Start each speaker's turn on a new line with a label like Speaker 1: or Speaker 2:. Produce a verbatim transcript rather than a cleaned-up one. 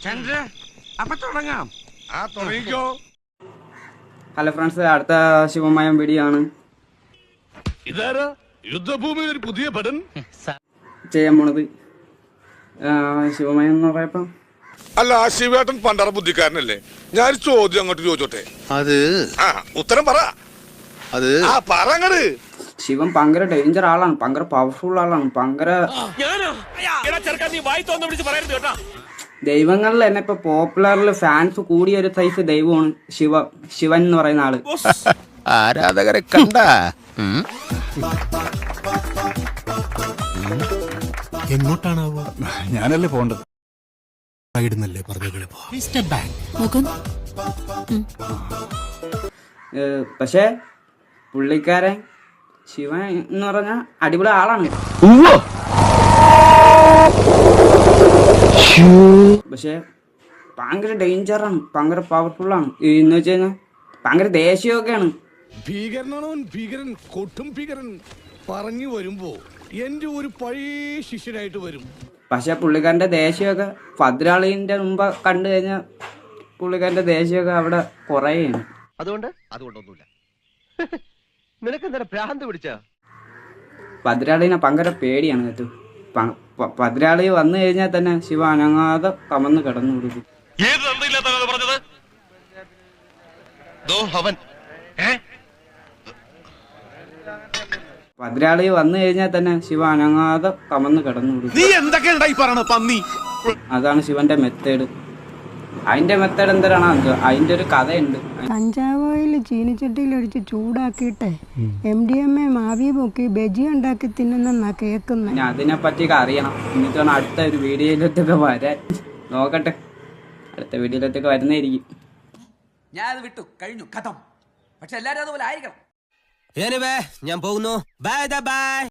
Speaker 1: അപ്പൊ തുടങ്ങാം. ആ തുടങ്ങിക്കോ.
Speaker 2: ഹലോ ഫ്രണ്ട്സ്, അടുത്ത ശിവമയം വീഡിയോ ആണ്
Speaker 1: ഇതാരാ യുദ്ധഭൂമിയിൽ ഒരു പുതിയ പടൻ
Speaker 2: ചെയ്യാൻ പോണത്. ശിവമയം എന്ന് പറയപ്പോ
Speaker 3: അല്ല, ആ ശിവേട്ടൻ പണ്ടറ ബുദ്ധിക്കാരനല്ലേ? ഞാൻ ചോദ്യം അങ്ങോട്ട് ചോദിച്ചോട്ടെ.
Speaker 4: അത്
Speaker 3: ആ ഉത്തരം പറ.
Speaker 4: അത്
Speaker 3: ആ പറങ്ങട്.
Speaker 2: ശിവൻ ഭയങ്കര ഡേഞ്ചർ ആളാണ്, ഭയങ്കര പവർഫുൾ ആളാണ്, ഭയങ്കര ദൈവങ്ങളിൽ തന്നെ ഇപ്പൊ പോപ്പുലറിൽ ഫാൻസ് കൂടിയ ഒരു സൈസ് ദൈവമാണ് ശിവ ശിവൻ എന്ന് പറയുന്ന ആള്.
Speaker 4: ആരാധകരെ കണ്ട
Speaker 5: എങ്ങോട്ടാണാവോ? ഞാനല്ലേ പോണ്ടത്. ഇടുന്നല്ലേ പറഞ്ഞത്.
Speaker 2: പക്ഷെ പുള്ളിക്കാരൻ ശിവൻ എന്ന് പറഞ്ഞ അടിപൊളി ആളാണ്. പക്ഷെ ഭയങ്കര ഡേഞ്ചറാണ്, ഭയങ്കര പവർഫുൾ ആണ്. എന്ന് വെച്ച് കഴിഞ്ഞാൽ ഭയങ്കര ദേഷ്യമൊക്കെയാണ്.
Speaker 1: ഭീകരനാണോ ഭീകരൻ, കൊട്ടും ഭീകരൻ. പറഞ്ഞു വരുമ്പോ എന്റെ ഒരു പഴയ ശിഷ്യനായിട്ട് വരും.
Speaker 2: പക്ഷെ പുള്ളിക്കാരന്റെ ദേഷ്യമൊക്കെ ഭദ്രാളിന്റെ മുമ്പ് കണ്ടു കഴിഞ്ഞാൽ പുള്ളിക്കാരന്റെ ദേഷ്യമൊക്കെ അവിടെ കുറയാണ്.
Speaker 4: അതുകൊണ്ട് അതുകൊണ്ടൊന്നുമില്ല. നിനക്കെന്താ ഭ്രാന്ത് പിടിച്ച?
Speaker 2: ഭദ്രാളിനെ ഭയങ്കര പേടിയാണ് കേട്ടോ. ഭദ്രാളി വന്നു കഴിഞ്ഞാൽ തന്നെ ശിവ അനങ്ങാതെ കമന്ന് കിടന്നു കൊടുക്കും. ഭദ്രാളി വന്നു കഴിഞ്ഞാൽ തന്നെ ശിവ അനങ്ങാതെ കമന്ന് കിടന്നു കൊടുക്കും. അതാണ് ശിവന്റെ മെത്തേഡ്. അതിന്റെ മെത്തേഡ് എന്തിനാണ്? അതിന്റെ ഒരു കഥയുണ്ട്.
Speaker 6: കഞ്ചാവ് ഓയിൽ ചീനിച്ചട്ടിയിൽ ഒഴിച്ച് ചൂടാക്കിയിട്ട് എം ഡി എം എ മാവി പൊക്കി ബജി ഉണ്ടാക്കി തിന്നുന്നാ കേൾക്കുന്നത്.
Speaker 2: ഞാൻ അതിനെ പറ്റിയൊക്കെ അറിയണം. എന്നിട്ടാണ് അടുത്ത ഒരു വീഡിയോയിലൊക്കെ വരാൻ. നോക്കട്ടെ, അടുത്ത വീഡിയോയിലൊക്കെ വരുന്നതായിരിക്കും.
Speaker 7: ഞാൻ അത് വിട്ടു കഴിഞ്ഞു, കഥം. പക്ഷെ എല്ലാരും അതുപോലെ ആയിരിക്കണം.
Speaker 8: ഞാൻ പോകുന്നു. Bye by.